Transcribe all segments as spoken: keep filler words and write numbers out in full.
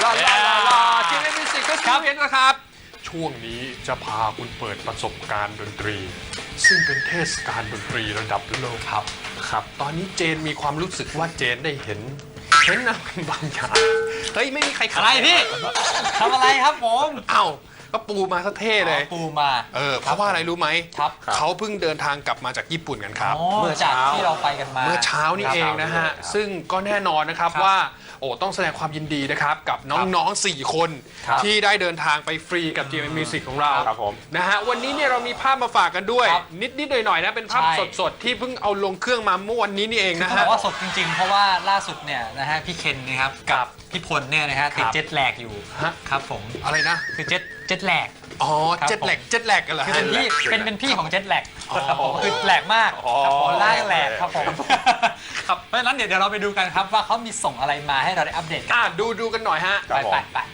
ลาลาลาลาทีเอ็มมิวสิกเฟสติวัลนะครับช่วงนี้จะพาคุณเปิดประสบการณ์ดนตรี ซึ่งเป็นเทศกาลดนตรีระดับโลกครับครับตอนนี้เจนมีความรู้สึกว่าเจนได้เห็นเห็นอะไรบางอย่างเฮ้ยไม่มีใครอะไรพี่ทำอะไรครับผมเอ้าก็ปูมาซะเท่เลยปูมาเออเพราะว่าอะไรรู้ไหมครับเขาเพิ่งเดินทางกลับมาจากญี่ปุ่นกันครับเมื่อจากที่เราไปกันมาเมื่อเช้านี้เองนะฮะซึ่งก็แน่นอนนะครับว่าโอ้ต้องแสดงความยินดีนะครับกับน้องๆสี่คนที่ได้เดินทางไปฟรีกับ ที เอ็ม Music ของเรานะฮะวันนี้เนี่ยเรามีภาพมาฝากกันด้วยนิดๆหน่อยๆนะเป็นภาพสดๆที่เพิ่งเอาลงเครื่องมาเมื่อวันนี้นี่เองนะฮะบอกว่าสดจริงๆเพราะว่าล่าสุดเนี่ยนะฮะพี่เคนนะครับกับพี่พลเนี่ยนะฮะติดเจ็ตแลกอยู่ครับผมอะไรนะคือเจ็ตเจ็ตแลกอ๋อเจ็ตแลกเจ็ตแลกกันเหรอคือเป็นพี่เป็นเป็นพี่ของเจ็ตแลกคือแหลกมากครับผมล่าแหลกครับผมครับเพราะฉะนั้นเดี๋ยวเราไปดูกันครับว่าเขามีส่งอะไรมาให้เราได้อัปเดตกันดูดูกันหน่อยฮะไปไปไป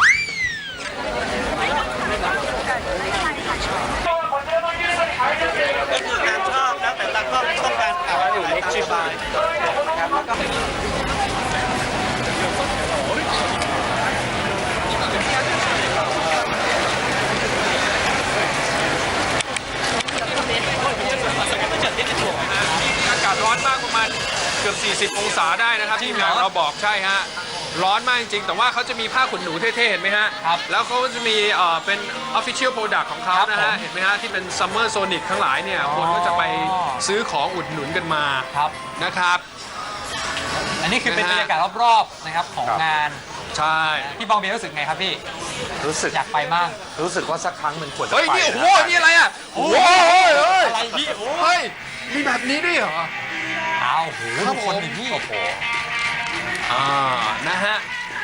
ก็คือการชอบนะแต่ละก็ต้องการอะไรอยู่ในชีวิตนะครับแล้วก็อากาศร้อนมากประมาณเกือบสี่สิบองศาได้นะครับที่เราบอกใช่ฮะร้อนมากจริงๆแต่ว่าเขาจะมีผ้าขนหนูเท่ๆเห็นไหมฮะครับแล้วเขาจะมีเอ่อเป็น official product ของเขานะฮะเห็นไหมฮะที่เป็น Summer Sonic ทั้งหลายเนี่ยคนก็จะไปซื้อของอุดหนุนกันมานะครับอันนี้คือเป็นบรรยากาศรอบๆนะครับของงานใช่พี่บองเบียรู้สึกไงครับพี่รู้สึกอยากไปมากรู้สึกว่าสักครั้งมันควรจะไปเฮ้ยนี่โอ้โหนี่อะไรอ่ะโอ้โหอะไรพี่เฮ้ยมีแบบนี้ด้วยเหรออ้าวโหทุกคนพี่โอ้โหอ่านะฮะ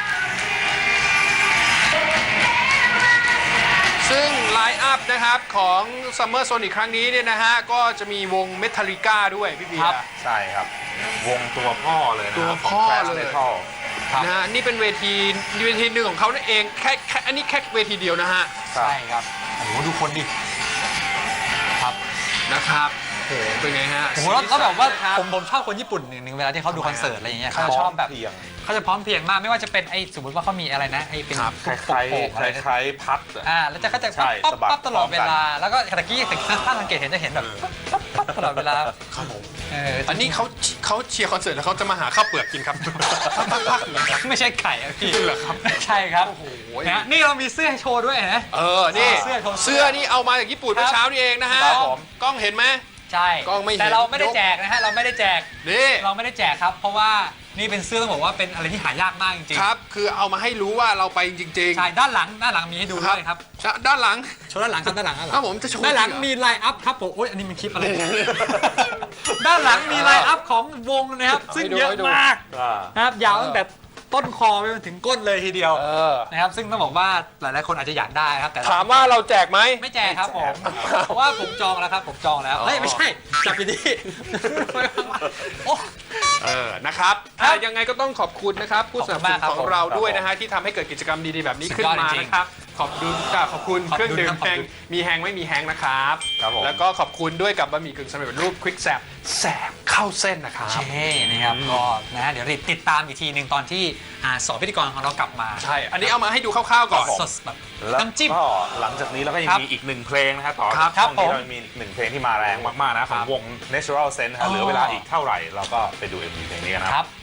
ซึ่งไลน์อัพนะครับของ Summer Sonic ครั้งนี้เนี่ยนะฮะก็จะมีวง Metallica ด้วยพี่เบียร์ใช่ครับวงตัวพ่อเลยนะตัวพ่อเลยนะฮะนี่เป็นเวทีเวทีหนึ่งของเขานั่นเองแค่แค่อันนี้แค่เวทีเดียวนะฮะใช่ครับโอ้โหดูคนดิครับนะครับโอ้โหเป็นไงฮะโอ้โหแล้วแบบว่าผมผมชอบคนญี่ปุ่นหนึ่งเวลาที่เขาดูคอนเสิร์ตอะไรอย่างเงี้ยเขาชอบแบบเขาจะพร้อมเพรียงมากไม่ว่าจะเป็นไอ้สมมติว่าเขามีอะไรนะไอ้เป็นคล้ายๆคล้ายๆพัดอ่าแล้วจะเขาจะปั๊บปั๊บตลอดเวลาแล้วก็ตะกี้ถ้าสังเกตเห็นจะเห็นแบบปั๊บตลอดเวลาครับผมอันนี้เขาเขาเชียร์คอนเสิร์ตแล้วเขาจะมาหาข้าวเปลือกกินครับไม่ใช่ไก่อะพี่เหรอครับใช่ครับโอ้โหนี่เรามีเสื้อให้โชว์ด้วยนะเออนี่เสื้อเสื้อนี่เอามาจากญี่ปุ่นเมื่อเช้านี่เองนะฮะกล้องเห็นไหมใช่แต่เราไม่ได้แจกนะฮะเราไม่ได้แจกนี่เราไม่ได้แจกครับเพราะว่านี่เป็นเสื้อต้องบอกว่าเป็นอะไรที่หายากมากจริงๆครับคือเอามาให้รู้ว่าเราไปจริงๆใช่ด้านหลังด้านหลังมีให้ดูด้วยครับด้านหลังโชว์ด้านหลังครับด้านหลังครับผมจะโชว์ด้านหลังมีไลน์อัพครับผมโอ้ยอันนี้มันคลิปอะไรด้านหลังมีไลน์อัพของวงนะครับซึ่งเยอะมากนะครับยาวตั้งแต่ต้นคอไปจนถึงก้นเลยทีเดียวนะครับซึ่งต้องบอกว่าหลายๆคนอาจจะอยากได้ครับแต่ถามว่าเราแจกไหมไม่แจกครับผมเพราะว่าผมจองแล้วครับผมจองแล้วเฮ้ยไม่ใช่จับอยู่ดีเออนะครับยังไงก็ต้องขอบคุณนะครับผู้สนับสนุนของเราด้วยนะฮะที่ทำให้เกิดกิจกรรมดีๆแบบนี้ขึ้นมานะครับขอบคุณขอบคุณเครื่องดื่มแฮงมีแฮงไม่มีแฮงนะครับแล้วก็ขอบคุณด้วยกับบะหมี่กึ่งสำเร็จรูปควิกแซบแสบเข้าเส้นนะครับใช่นะครับก็นะเดี๋ยวติดตามอีกทีหนึ่งตอนที่สอบพิธีกรของเรากลับมาใช่อันนี้เอามาให้ดูคร่าวๆก่อนสดแบบน้ำจิ้มก็หลังจากนี้เราก็ยังมีอีกหนึ่งเพลงนะครับต่อช่วงนี้เรามีอีกหนึ่งเพลงที่มาแรงมากๆนะของวง Natural Sense เหลือเวลาอีกเท่าไหร่เราก็ไปดู เอ็ม วี เพลงนี้นะครับ